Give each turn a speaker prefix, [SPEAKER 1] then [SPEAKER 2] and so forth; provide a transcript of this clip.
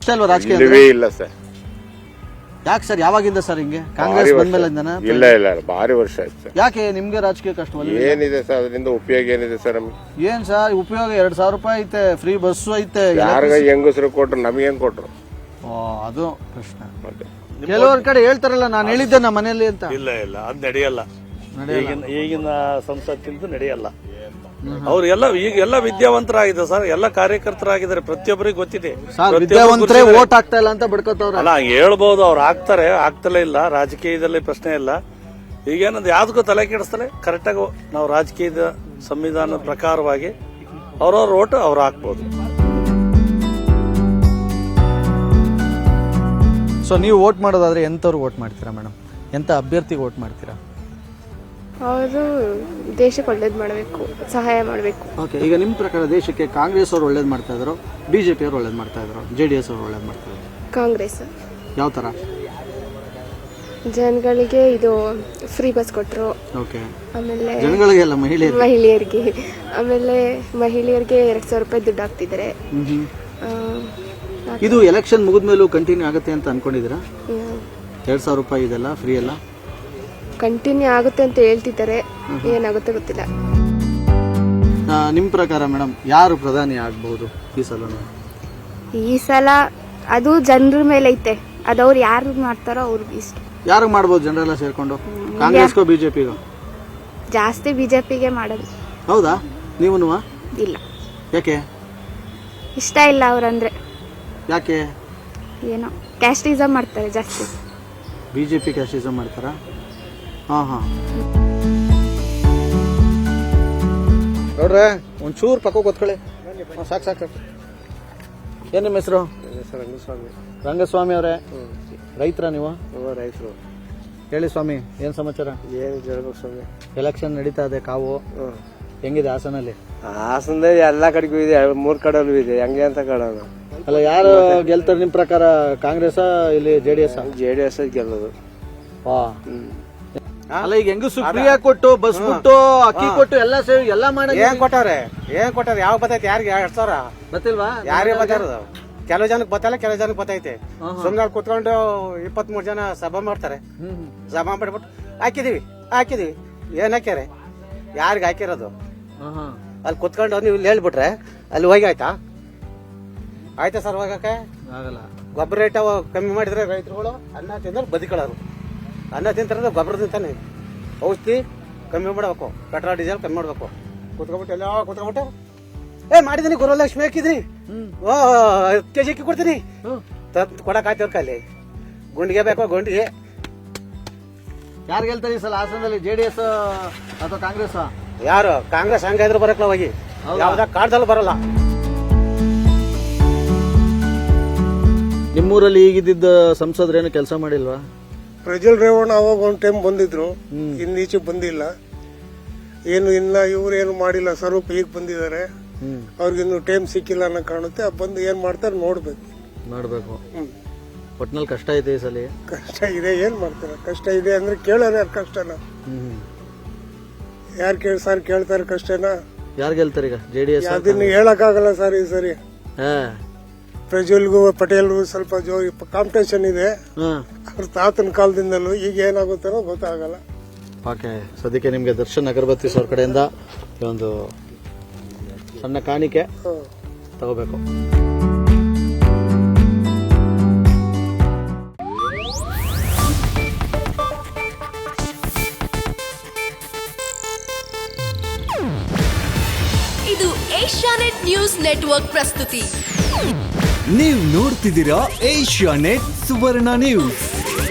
[SPEAKER 1] ಇಷ್ಟ ಅಲ್ವಾ ರಾಜಕೀಯ?
[SPEAKER 2] ಇಲ್ಲ ಸರ್.
[SPEAKER 1] ಯಾಕೆ ಸರ್, ಯಾವಾಗಿಂದ ಸರ್ ಹಿಂಗೆ? ಕಾಂಗ್ರೆಸ್ ಬಂದ್ಮೇಲಿಂದನಾ?
[SPEAKER 2] ಇಲ್ಲ ಭಾರಿ ವರ್ಷ ಆಯ್ತು ಸರ್.
[SPEAKER 1] ಯಾಕೆ ನಿಮ್ಗೆ ರಾಜಕೀಯ ಕಷ್ಟವಲ್ಲ?
[SPEAKER 2] ಏನಿದೆ ಸರ್ ಅದರಿಂದ ಉಪಯೋಗ ಏನಿದೆ ಸರ್ ನಮ್ಗೆ?
[SPEAKER 1] ಏನ್ ಸರ್ ಉಪಯೋಗ? 2,000 ರೂಪಾಯಿ ಐತೆ, ಫ್ರೀ ಬಸ್ಸು ಐತೆ.
[SPEAKER 2] ಯಾರಿಗ ಹೆಂಗಸರು ಕೊಟ್ರು, ನಮಗೇನ್ ಕೊಟ್ರು?
[SPEAKER 1] ಅದು ಪ್ರಶ್ನೆ. ಕೆಲವರ ಕಡೆ ಹೇಳ್ತಾರಲ್ಲ, ನಾನು ಹೇಳಿದ್ದೆ ನಮ್ಮ ಮನೆಯಲ್ಲಿ ಅಂತ.
[SPEAKER 3] ಇಲ್ಲ ಅದ್ ನಡೆಯಲ್ಲ. ಈಗಿನ ಸಂಸತ್ತಿಂದು ನಡೆಯಲ್ಲ. ಅವ್ರು ಈಗ ಎಲ್ಲ ವಿದ್ಯಾವಂತರಾಗಿದೆ ಸರ್, ಎಲ್ಲ ಕಾರ್ಯಕರ್ತರಾಗಿದ್ದಾರೆ, ಪ್ರತಿಯೊಬ್ಬರಿಗೆ ಗೊತ್ತಿದೆ.
[SPEAKER 1] ವಿದ್ಯಾವಂತರೇ ವೋಟ್ ಆಗ್ತಾ ಇಲ್ಲ ಅಂತ ಬಿಡ್ಕೋತವ್ರ.
[SPEAKER 3] ಅಲ್ಲ, ಹೇಳ್ಬಹುದು, ಅವ್ರು ಆಗ್ತಲೇ ಇಲ್ಲ. ರಾಜಕೀಯದಲ್ಲಿ ಪ್ರಶ್ನೆ ಇಲ್ಲ. ಈಗೇನಂದ್ರೆ ಯಾವ್ದಕ್ಕೂ ತಲೆ ಕೆಡಿಸ್ತಲೇ ಕರೆಕ್ಟಾಗಿ ನಾವು ರಾಜಕೀಯದ ಸಂವಿಧಾನದ ಪ್ರಕಾರವಾಗಿ ಅವ್ರವ್ರ ವೋಟ್ ಅವ್ರು ಹಾಕ್ಬೋದು.
[SPEAKER 1] ಸೊ ನೀವು ವೋಟ್ ಮಾಡೋದಾದ್ರೆ ಎಂಥವ್ರು ವೋಟ್ ಮಾಡ್ತೀರಾ ಮೇಡಮ್? ಎಂಥ ಅಭ್ಯರ್ಥಿಗೆ ವೋಟ್ ಮಾಡ್ತೀರಾ?
[SPEAKER 4] ಅವರು ದೇಶಕ್ಕೆ ಒಳ್ಳೇದು ಮಾಡಬೇಕು, ಸಹಾಯ ಮಾಡಬೇಕು.
[SPEAKER 1] ಓಕೆ, ಈಗ ನಿಮ್ಮ ಪ್ರಕಾರ ದೇಶಕ್ಕೆ ಕಾಂಗ್ರೆಸ್ ಅವರು ಒಳ್ಳೇದು ಮಾಡ್ತಾ ಇದ್ರು, ಬಿಜೆಪಿ ಅವರು ಒಳ್ಳೇದು ಮಾಡ್ತಾ ಇದ್ರು, JDS ಅವರು ಒಳ್ಳೇದು ಮಾಡ್ತಾ ಇದ್ರು?
[SPEAKER 4] ಕಾಂಗ್ರೆಸ್.
[SPEAKER 1] ಯಾವ ಥರ?
[SPEAKER 4] ಜನಗಳಿಗೆ ಇದು ಫ್ರೀ ಬಸ್ ಕೊಟ್ಟರು.
[SPEAKER 1] ಓಕೆ,
[SPEAKER 4] ಆಮೇಲೆ
[SPEAKER 1] ಜನಗಳಿಗೆಲ್ಲ
[SPEAKER 4] ಮಹಿಳೆಯರಿಗೆ, ಆಮೇಲೆ ಮಹಿಳೆಯರಿಗೆ 2,000 ರೂಪಾಯಿ ದುಡ್ಡು ಹಾಕ್ತಿದ್ದಾರೆ.
[SPEAKER 1] ಇದು ಎಲೆಕ್ಷನ್ ಮುಗಿದ್ಮೇಲೂ ಕಂಟಿನ್ಯೂ ಆಗುತ್ತೆ ಅಂತ ಅನ್ಕೊಂಡಿದ್ದೀರಾ? 2,000 ರೂಪಾಯಿ ಇದೆಲ್ಲ ಫ್ರೀ ಎಲ್ಲ
[SPEAKER 4] ಕಂಟಿನ್ಯೂ ಆಗುತ್ತೆ ಅಂತ ಹೇಳ್ತಿದ್ದಾರೆ, ಏನಾಗುತ್ತೆ ಗೊತ್ತಿಲ್ಲ.
[SPEAKER 1] ನಿಮ್ಮ ಪ್ರಕಾರ ಮೇಡಮ್ ಯಾರು ಪ್ರಧಾನಿ ಆಗಬಹುದು ಈ ಸಲ?
[SPEAKER 4] ಈ ಸಲ ಅದು ಜನರ ಮೇಲೆ ಐತೆ, ಅದವ್ರು ಯಾರು ಮಾಡ್ತಾರೋ ಅವ್ರಿಗೆ ಇಷ್ಟ.
[SPEAKER 1] ಯಾರು ಮಾಡ್ಬೋದು ಜನರೆಲ್ಲ ಸೇರ್ಕೊಂಡು? ಕಾಂಗ್ರೆಸ್ಗೋ ಬಿಜೆಪಿಗೋ?
[SPEAKER 4] ಜಾಸ್ತಿ ಬಿಜೆಪಿಗೆ ಮಾಡೋದು.
[SPEAKER 1] ಹೌದಾ? ನೀವೂ?
[SPEAKER 4] ಇಲ್ಲ.
[SPEAKER 1] ಯಾಕೆ
[SPEAKER 4] ಇಷ್ಟ ಇಲ್ಲ ಅವ್ರಂದ್ರೆ?
[SPEAKER 1] ಯಾಕೆ?
[SPEAKER 4] ಏನೋ ಕ್ಯಾಸ್ಟಿಸಮ್ ಮಾಡ್ತಾರೆ ಜಾಸ್ತಿ.
[SPEAKER 1] ಬಿಜೆಪಿ ಕ್ಯಾಸ್ಟಿಸಮ್ ಮಾಡ್ತಾರಾ? ಹಾಂ ನೋಡ್ರೆ, ಒಂಚೂರು ಪಕ್ಕ ಕೂತ್ಕೊಳ್ಳಿ. ಸಾಕು. ಏನು ನಿಮ್ಮ ಹೆಸರು? ರಂಗಸ್ವಾಮಿ ಅವರೇ, ರೈತರ ನೀವು?
[SPEAKER 5] ರೈತರು.
[SPEAKER 1] ಹೇಳಿ ಸ್ವಾಮಿ, ಏನು ಸಮಾಚಾರ?
[SPEAKER 5] ಏನು ಹೇಳ್ಬೇಕು ಸ್ವಾಮಿ?
[SPEAKER 1] ಎಲೆಕ್ಷನ್ ನಡೀತಾ ಇದೆ, ಕಾವು ಹೆಂಗಿದೆ ಹಾಸನಲ್ಲಿ?
[SPEAKER 5] ಹಾಸನದಲ್ಲಿ ಎಲ್ಲ ಕಡೆಗೂ ಇದೆ, 3 ಕಡೆಯಲ್ಲೂ ಇದೆ. ಹೆಂಗೆ ಅಂತ ಕಾಣೋಣ.
[SPEAKER 1] ಅಲ್ಲ, ಯಾರು ಗೆಲ್ತಾರೆ ನಿಮ್ಮ ಪ್ರಕಾರ? ಕಾಂಗ್ರೆಸ್ ಇಲ್ಲಿ JDS
[SPEAKER 5] ಗೆಲ್ಲೋದು.
[SPEAKER 1] ಅಲ್ಲ, ಈಗ ಹೆಂಗಸು ಫ್ರೀ ಕೊಟ್ಟು ಬಸ್ ಬಿಟ್ಟು ಅಕ್ಕಿ ಕೊಟ್ಟು ಎಲ್ಲ ಸೇರಿ ಎಲ್ಲ ಮಾಡಿ
[SPEAKER 5] ಏನ್ ಕೊಟ್ಟವ್ರೆ? ಯಾವ ಬತ್ತೈತೆ? ಯಾರಿಗೆ 2,000
[SPEAKER 1] ಗೊತ್ತಿಲ್ವಾ?
[SPEAKER 5] ಯಾರೇ ಬತ್ತಾರದು? ಕೆಲವು ಜನಕ್ಕೆ ಬತ್ತಲ್ಲ, ಕೆಲವು ಜನಕ್ಕೆ ಬತ್ತೈತೆ. ಸುಮ್ನೆ ಕುತ್ಕೊಂಡು 23 ಜನ ಸಭಾ ಮಾಡ್ತಾರೆ. ಸಭಾ ಮಾಡ್ಬಿಟ್ಟು ಹಾಕಿದೀವಿ ಏನ್ ಹಾಕ್ಯಾರೆ? ಯಾರಿಗೆ ಹಾಕಿರೋದು? ಅಲ್ಲಿ ಕುತ್ಕೊಂಡು ನೀವು ಇಲ್ಲಿ ಹೇಳ್ಬಿಟ್ರೆ ಅಲ್ಲಿ ಹೋಗಿ ಆಯ್ತಾ ಸರ್? ಹೋಗಕ್ಕೆ
[SPEAKER 1] ಆಗಲ್ಲ.
[SPEAKER 5] ಗೊಬ್ಬರ ರೇಟ್ ಕಮ್ಮಿ ಮಾಡಿದ್ರೆ ರೈತರುಗಳು ಅನ್ನ ತಿಂದ್ರೆ ಬದುಕೊಳ್ಳೋರು. ಅನ್ನ ತಿಂತಾರೆ, ಗೊಬ್ಬರ ತಿಂತಾನೆ. ಔಷಧಿ ಕಮ್ಮಿ ಮಾಡಬೇಕು, ಪೆಟ್ರೋಲ್ ಡೀಸೆಲ್ ಕಮ್ಮಿ ಮಾಡ್ಬೇಕು. ಕುತ್ಕೊಬಿಟ್ಟು ಮಾಡಿದೀನಿ, ಗುರುಲಕ್ಷ್ಮಿ ಹಾಕಿದ್ರಿ, 10 kg ಅಕ್ಕಿ ಕೊಡ್ತೀನಿ, ಕೊಡಕ್ ಆಯ್ತು ಅಲ್ಲಿ. ಗುಂಡಿಗೆ ಬೇಕು, ಗುಂಡಿಗೆ.
[SPEAKER 1] ಯಾರು ಗೆಲ್ತಾರೆ ಈ ಸಲ ಹಾಸನದಲ್ಲಿ, JDS ಅಥವಾ ಕಾಂಗ್ರೆಸ್?
[SPEAKER 5] ಯಾರು? ಕಾಂಗ್ರೆಸ್ ಹಂಗಾದ್ರು ಬರಕ್ಲ ಹೋಗಿ, ಯಾವ್ದ ಕಾಡ್ದಲ್ಲೂ ಬರಲ್ಲ.
[SPEAKER 1] ನಿಮ್ಮೂರಲ್ಲಿ ಈಗಿದ್ದ ಸಂಸದ್ರೇನು ಕೆಲಸ ಮಾಡಿಲ್ವಾ?
[SPEAKER 6] ಪ್ರಜ್ವಲ್ ರೇವಣ್ಣ ಅವಾಗ ಒಂದು ಟೈಮ್ ಬಂದಿದ್ರು, ಇನ್ನೀಚೆ ಬಂದಿಲ್ಲ. ಏನು ಇನ್ನ ಇವ್ರೇನು ಮಾಡಿಲ್ಲ, ಸ್ವರೂಪ್ ಈಗ ಬಂದಿದ್ದಾರೆ. ಅವ್ರಿಗಿನ್ನು ಟೈಮ್ ಸಿಕ್ಕಿಲ್ಲ ಅನ್ನೋ ಕಾಣುತ್ತೆ. ಬಂದು ಏನ್ ಮಾಡ್ತಾರೆ ನೋಡ್ಬೇಕು. ಒಟ್ನಲ್ಲಿ ಕಷ್ಟ ಐತೆ ಈ ಸಲ.
[SPEAKER 5] ಕಷ್ಟ ಇದೆ, ಏನ್ ಮಾಡ್ತಾರೆ? ಕಷ್ಟ ಇದೆ ಅಂದ್ರೆ ಕೇಳೋರು ಯಾರು ಕಷ್ಟನ? ಯಾರು ಕೇಳ್ತಾರೆ ಕಷ್ಟನ?
[SPEAKER 1] ಯಾರು ಗೆಲ್ತಾರೆ ಈಗ? JDS?
[SPEAKER 5] ಅದನ್ನ ಹೇಳಕ್ ಆಗಲ್ಲ ಸರ್ ಈ ಸರಿ. ಪ್ರಜ್ವಲ್ಗೂ ಪಟೇಲ್ಗೂ ಸ್ವಲ್ಪ ಕಾಂಪಿಟೇಷನ್ ಇದೆ, ಅವ್ರ ತಾತನ ಕಾಲದಿಂದಲೂ. ಈಗ ಏನಾಗುತ್ತಾರೋ ಗೊತ್ತಾಗಲ್ಲ.
[SPEAKER 1] ಓಕೆ, ಸದ್ಯಕ್ಕೆ ನಿಮ್ಗೆ ದರ್ಶನ್ ಅಗರಬತ್ತಿ ಅವ್ರ ಕಡೆಯಿಂದ ಒಂದು ಸಣ್ಣ ಕಾಣಿಕೆ ತಗೋಬೇಕು.
[SPEAKER 7] ಇದು ಏಷ್ಯಾನೆಟ್ ನ್ಯೂಸ್ ನೆಟ್ವರ್ಕ್ ಪ್ರಸ್ತುತಿ.
[SPEAKER 8] ನೀವು ನೋಡ್ತಿದ್ದೀರಾ ಏಷ್ಯಾನೆಟ್ ಸುವರ್ಣ ನ್ಯೂಸ್.